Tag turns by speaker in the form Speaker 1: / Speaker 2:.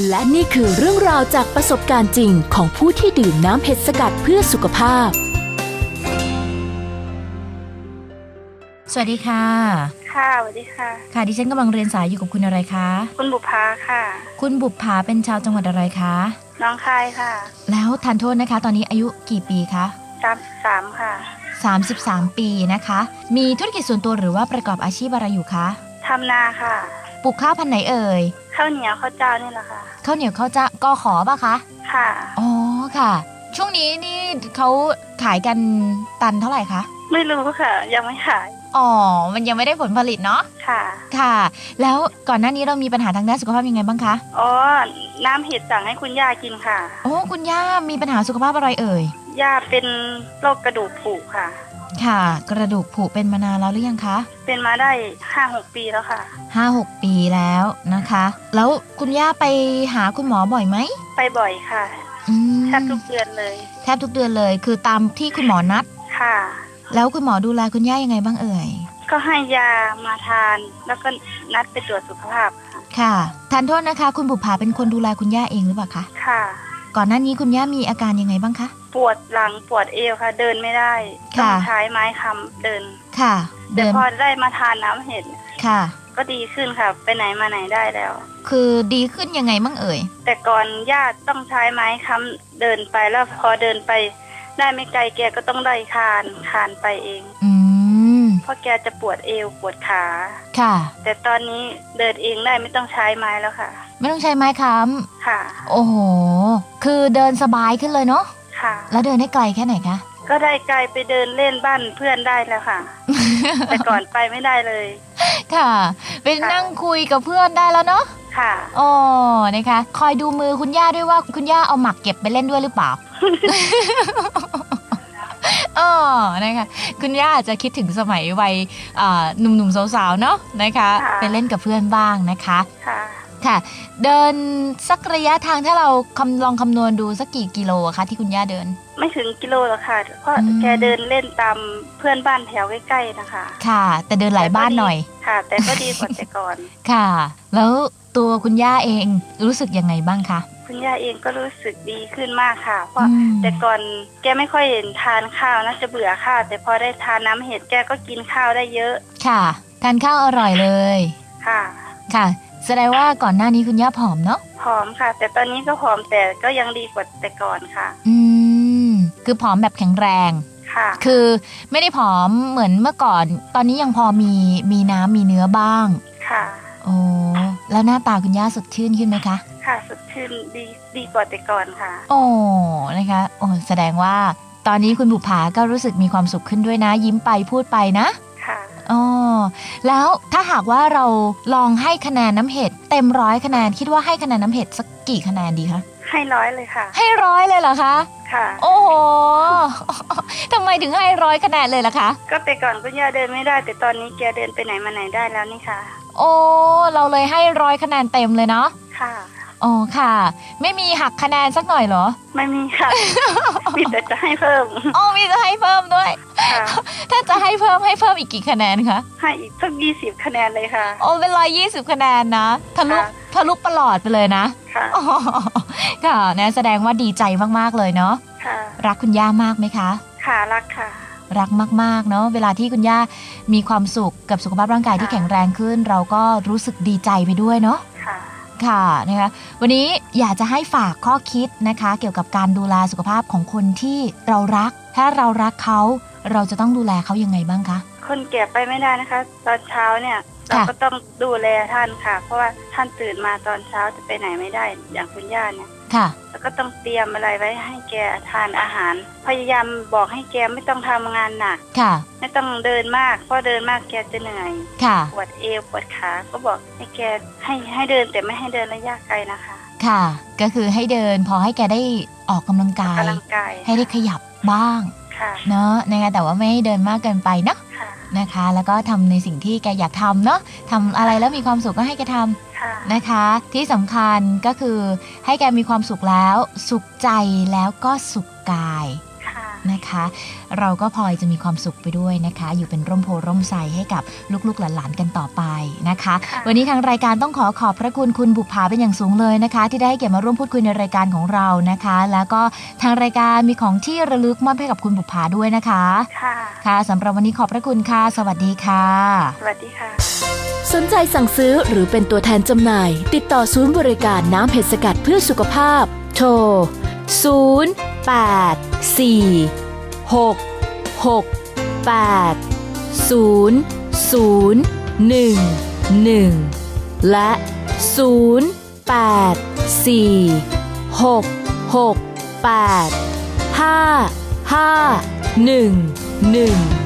Speaker 1: และนี่คือเรื่องราวจากประสบการณ์จริงของผู้ที่ดื่มน้ำเห็ดสกัดเพื่อสุขภาพ
Speaker 2: สวัสดีค่ะ
Speaker 3: ค่ะสวัสดีค่ะ
Speaker 2: ค่ะดิฉันกำลังเรียนสายอยู่กับคุณอะไรคะ
Speaker 3: คุณบุภาค่ะ
Speaker 2: คุณบุภาเป็นชาวจังหวัดอะไรคะ
Speaker 3: น้องคายค่ะ
Speaker 2: แล้วทานโทษนะคะตอนนี้อายุกี่ปีคะ
Speaker 3: 33ค่ะ
Speaker 2: 33ปีนะคะมีธุรกิจส่วนตัวหรือว่าประกอบอาชีพอะไรอยู่คะ
Speaker 3: ทำนาค่ะ
Speaker 2: ปลูกข้าวพันธุ์ไหนเอ่ย
Speaker 3: ข้าวเหนียวข้าวเจ้านี่แหละค่ะ
Speaker 2: ข้าวเหนียวข้าวเจ้าก็ขอป่ะคะ
Speaker 3: ค่ะ
Speaker 2: อ๋อค่ะช่วงนี้นี่เขาขายกันตันเท่าไหร่คะ
Speaker 3: ไม่รู้ค่ะยังไม่ขาย
Speaker 2: อ๋อมันยังไม่ได้ผลผลิตเนาะ
Speaker 3: ค่ะ
Speaker 2: ค่ะแล้วก่อนหน้านี้เรามีปัญหาทางด้านสุขภาพยังไงบ้างคะ
Speaker 3: อ๋อน้ำเห็ดสั่งให้คุณย่ากินค่ะ
Speaker 2: โอ้คุณย่ามีปัญหาสุขภาพอะไรเอ่ย
Speaker 3: ย่าเป็นโรคกระดูกผุค่ะ
Speaker 2: ค่ะกระดูกผุเป็นมานานแล้วหรือยังคะ
Speaker 3: เป็นมาได้ 5-6 ปีแล้วค่ะ
Speaker 2: 5-6 ปีแล้วนะคะแล้วคุณย่าไปหาคุณหมอบ่อยไหม
Speaker 3: ไปบ่อยค่ะแทบทุกเดือนเลย
Speaker 2: แทบทุกเดือนเลยคือตามที่คุณหมอนัด
Speaker 3: ค่ะ
Speaker 2: แล้วคุณหมอดูแลคุณย่ายังไงบ้างเอ่ย
Speaker 3: ก็ให้ยามาทานแล้วก็นัดไปตรวจสุขภาพ
Speaker 2: ค่ะทานโทษนะคะคุณบุภาเป็นคนดูแลคุณย่าเองหรือเปล่าคะ
Speaker 3: ค่ะ
Speaker 2: ก่อนหน้านี้คุณย่ามีอาการยังไงบ้างคะ
Speaker 3: ปวดหลังปวดเอวค่ะเดินไม่ได้ต้องใช้ไม้ค้ำเดิน
Speaker 2: ค่ะ
Speaker 3: แต่พอได้มาทานน้ำเห็ด
Speaker 2: ค่ะ
Speaker 3: ก็ดีขึ้นค่ะไปไหนมาไหนได้แล้ว
Speaker 2: คือดีขึ้นยังไงบ้างเอ่ย
Speaker 3: แต่ก่อนญาติต้องใช้ไม้ค้ำเดินไปแล้วพอเดินไปได้ไม่ไกลแกก็ต้องได้คานไปเองเพราะแกจะปวดเอวปวดขา
Speaker 2: ค่ะ
Speaker 3: แต่ตอนนี้เดินเองได้ไม่ต้องใช้ไม้แล้วค่ะ
Speaker 2: ไม่ต้องใช้ไม้ค้ำ
Speaker 3: ค่ะ
Speaker 2: โอ้โหคือเดินสบายขึ้นเลยเนาะ
Speaker 3: ค่ะ
Speaker 2: แล้วเดินได้ไกลแค่ไหนคะ
Speaker 3: ก็ได้ไกลไปเดินเล่นบ้านเพื่อนได้แล้วค่ะ แต่ก่อนไปไม่ได้เลย
Speaker 2: ค่ะไปนั่งคุยกับเพื่อนได้แล้วเนาะ
Speaker 3: ค่ะ
Speaker 2: อ๋อนะคะคอยดูมือคุณย่าด้วยว่าคุณย่าเอาหมักเก็บไปเล่นด้วยหรือเปล่า อ๋อนะคะคุณย่าอาจจะคิดถึงสมัยวัยหนุ่มๆสาวๆเนาะนะคะไปเล่นกับเพื่อนบ้างนะคะค่ะเดินสักระยะทางถ้าเราลองคำนวณดูสักกี่กิโลอะคะที่คุณย่าเดิน
Speaker 3: ไม่ถึงกิโลหรอกค่ะเพราะแกเดินเล่นตามเพื่อนบ้านแถวใกล้ๆนะคะ
Speaker 2: ค่ะแต่เดินหลายบ้านหน่อย
Speaker 3: ค่ะแต่ก็ดีกว่าแต่ก่อน
Speaker 2: ค่ะแล้วตัวคุณย่าเองรู้สึกยังไงบ้างคะ
Speaker 3: คุณย่าเองก็รู้สึกดีขึ้นมากค่ะเพราะแต่ก่อนแกไม่ค่อยเห็นทานข้าวนะจะเบื่อข้าวแต่พอได้ทานน้ำเห็ดแกก็กินข้าวได้เยอะ
Speaker 2: ค่ะทานข้าวอร่อยเลย
Speaker 3: ค่ะ
Speaker 2: ค่ะแสดงว่าก่อนหน้านี้คุณย่าผอมเนาะ
Speaker 3: ผอมค่ะแต่ตอนนี้ก็ผอมแต่ก็ยังดีกว่าแต่ก่อนค่ะ
Speaker 2: คือผอมแบบแข็งแรง
Speaker 3: ค่ะ
Speaker 2: คือไม่ได้ผอมเหมือนเมื่อก่อนตอนนี้ยังพอมีน้ำมีเนื้อบ้าง
Speaker 3: ค่ะ
Speaker 2: โอ้แล้วหน้าตาคุณย่าสดชื่นขึ้นไหมคะ
Speaker 3: ค่ะสดชื่นดีกว่าแต่ก่อนค่ะ
Speaker 2: โอ้นะคะโอ้แสดงว่าตอนนี้คุณบุภาก็รู้สึกมีความสุขขึ้นด้วยนะยิ้มไปพูดไปนะ
Speaker 3: ค่ะ
Speaker 2: อ๋อแล้วถ้าหากว่าเราลองให้คะแนนน้ำเห็ดเต็ม100คะแนนคิดว่าให้คะแนนน้ำเห็ดสักกี่คะแนนดีคะ
Speaker 3: ให้100เลยค่ะ
Speaker 2: ให้100เลยเหรอคะ
Speaker 3: ค่ะ
Speaker 2: โอ้โหทำไมถึงให้100คะแนนเลยล่ะคะ
Speaker 3: ก็แต่ก่อนคุณย่าเดินไม่ได้แต่ตอนนี้แกเดินไปไหนมาไหนได้แล้วนี่ค่ะ
Speaker 2: โอ้เราเลยให้100คะแนนเต็มเลยเนาะ
Speaker 3: ค่ะ
Speaker 2: อ๋อค่ะไม่มีหักคะแนนสักหน่อยเหรอ
Speaker 3: ไม่มีค่ะ มีแต่จะให้เพิ่ม
Speaker 2: อ๋อมีจะให้เพิ่มด้วยถ้าจะให้เพิ่มอีกกี่คะแนนคะ
Speaker 3: ให้อีกสัก20คะแนนเลยค่ะ
Speaker 2: โอ้เป็น120คะแนนนะทะลุประหลอดไปเลยนะ
Speaker 3: ค่ะ
Speaker 2: ค่ะนะแสดงว่าดีใจมากๆเลยเนาะ
Speaker 3: ค่ะ
Speaker 2: รักคุณย่ามากไหมคะ
Speaker 3: ค่ะรักค่ะ
Speaker 2: รักมากๆเนาะเวลาที่คุณย่ามีความสุขกับสุขภาพร่างกายที่แข็งแรงขึ้นเราก็รู้สึกดีใจไปด้วยเนาะค่ะนะคะวันนี้อยากจะให้ฝากข้อคิดนะคะเกี่ยวกับการดูแลสุขภาพของคนที่เรารักถ้าเรารักเขาเราจะต้องดูแลเขายังไงบ้างคะ
Speaker 3: คนแก่ไปไม่ได้นะคะตอนเช้าเนี่ยเราก็ต้องดูแลท่านค่ะเพราะว่าท่านตื่นมาตอนเช้าจะไปไหนไม่ได้อย่างคุณย่าเนี่ย
Speaker 2: ค่ะ
Speaker 3: แล้วก็ต้องเตรียมอะไรไว้ให้แกทานอาหารพยายามบอกให้แกไม่ต้องทำงานหนัก
Speaker 2: ค่ะ
Speaker 3: ไม่ต้องเดินมากเพราะเดินมากแกจะเหนื่อย
Speaker 2: ค่ะ
Speaker 3: ปวดเอวปวดขาก็บอกให้แกให้เดินแต่ไม่ให้เดินระยะไกลนะคะ
Speaker 2: ค่ะก็คือให้เดินพอให้แกได้ออกกำลังกายให้ได้ขยับบ้างเนาะนะคะแต่ว่าไม่ให้เดินมากเกินไปเนาะนะคะแล้วก็ทำในสิ่งที่แกอยากทำเนาะทำอะไรแล้วมีความสุขก็ให้แกทำนะคะที่สำคัญก็คือให้แกมีความสุขแล้วสุขใจแล้วก็สุขกายนะคะ เราก็พลอยจะมีความสุขไปด้วยนะคะ อยู่เป็นร่มโพร่มไทรให้กับลูกๆหลานๆกันต่อไปนะคะ วันนี้ทางรายการต้องขอบพระคุณคุณบุภาเป็นอย่างสูงเลยนะคะ ที่ได้ให้เกียรติมาร่วมพูดคุยในรายการของเรานะคะ แล้วก็ทางรายการมีของที่ระลึกมอบให้กับคุณบุภาด้วยนะคะค่ะสำหรับวันนี้ขอบพระคุณค่ะสวัสดีค่ะ
Speaker 3: สวัสดีค่ะ
Speaker 1: สนใจสั่งซื้อหรือเป็นตัวแทนจำหน่ายติดต่อศูนย์บริการน้ำเห็ดสกัดเพื่อสุขภาพโทร0846680011และ0846685511